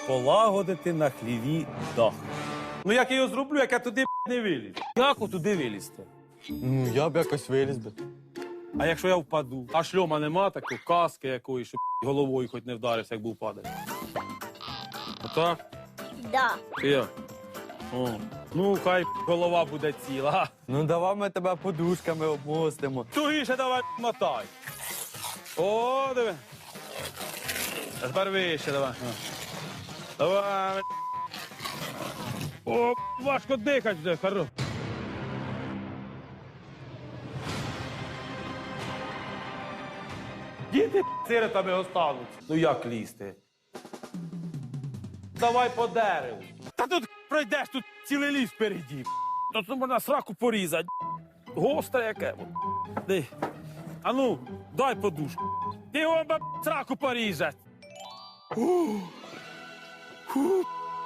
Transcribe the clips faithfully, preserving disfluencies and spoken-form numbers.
полагодити на хліві дах. Ну як я його зроблю, як я туди не виліз? Як туди вилізти? Ну, я б якось виліз би. А якщо я впаду? А шльома нема такої, каски якоїсь, щоб головою хоч не вдарився, як був падати. Отак? Да. Чи як? О. Ну, хай голова буде ціла. Ну, давай ми тебе подушками обмостимо. Тугіше давай мотай. О, диви. А тепер вище давай. Давай. О, важко дихати вже, хорош. Діти сиротами остануться. Ну як лізти? Давай по дереву. Та тут пройдеш, тут цілий ліс впереді. Тут можна сраку порізати. Гостре яке. Ди. А ну, дай подушку. Ти його б сраку порізать. Фу. Фу.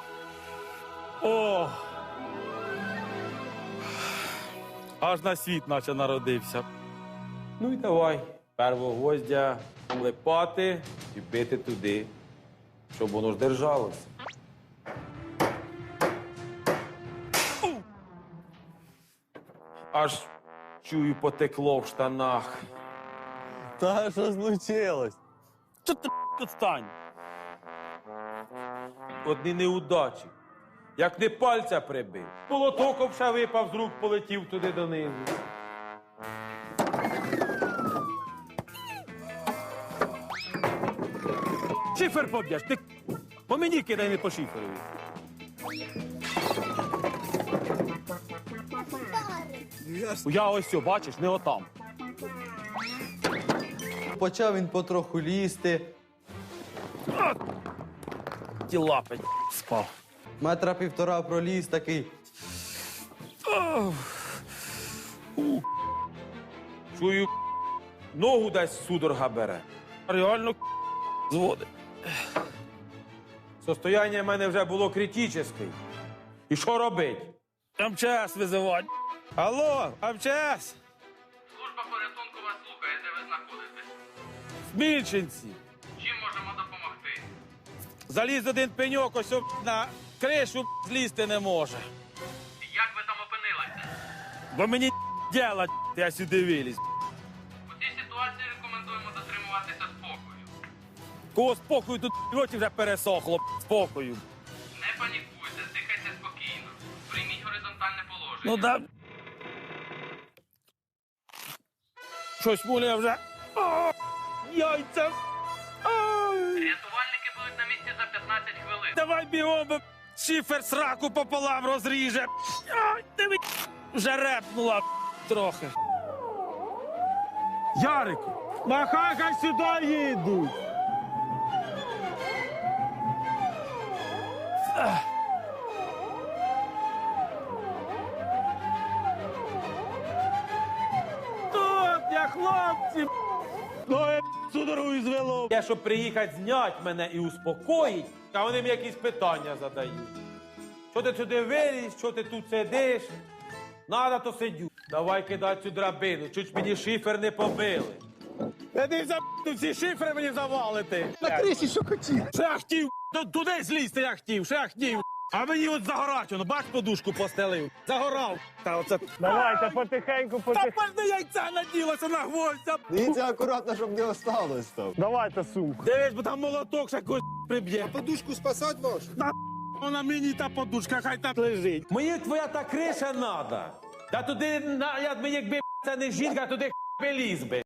О. Аж на світ наче народився. Ну і давай. Первого гвоздя липати і бити туди, щоб воно ж держалося. Аж чую, потекло в штанах. Та що случилось? Що ти тут стань? Одні неудачі. Як не пальця прибив. Молотоком ще випав з рук, полетів туди донизу. Шифер поб'єш, ти по мені кидай, не по шиферові. Я ось все, бачиш, не отам. Почав він потроху лізти. Ті лапи спав. Метра півтора проліз такий. Чую, ногу десь судорога бере. Реально зводить. Состояння в мене вже було критичне. І що робить? ем че ес визивати. Алло, ем че ес? Служба порятунку вас слухає, де ви знаходитесь. Смільченці. Чим можемо допомогти? Заліз один пеньок, ось об- на кришу злізти не може. Як ви там опинилися? Бо мені діла, я сюди виліз. У цій ситуації рекомендуємо дотримуватися спокою. Кого спокою тут роті вже пересохло, спокою. Не панікуйте, дихайте спокійно. Прийміть горизонтальне положення. Ну да. Щось муляє вже. О, яйця. Ай. Рятувальники будуть на місці за п'ятнадцять хвилин. Давай бігом, бо шифер сраку пополам розріже. Ай, диви, вже репнула трохи. Ярику, махай, хай сюди їдуть. Ах. Тут я, хлопці. Ноги судорогою звело. Я, щоб приїхати зняти мене і успокоїть, а вони мені якісь питання задають. Що ти сюди виліз, що ти тут сидиш? Надо, то сидю. Давай кидай цю драбину, чуть мені шифер не побили. Та ти за тут всі шифри мені завалити. На криші що хотів. Що я хотів? Ту- Туди злізти я хотів, що я хотів. А мені от загорать, воно, бач, подушку постелив. Загорав. Та оце... Давайте потихеньку, Та потихеньку. пальне яйця наділося на гвоздя. Дивіться акуратно, щоб не осталось там. Давайте сумку. Дивись, бо там молоток ще когось приб'є. Подушку спасати можеш? Та вона мені та подушка, хай так лежить. Мені твоя та криша надо. Та туди, на, я, якби це не жінка, туди би ліз би.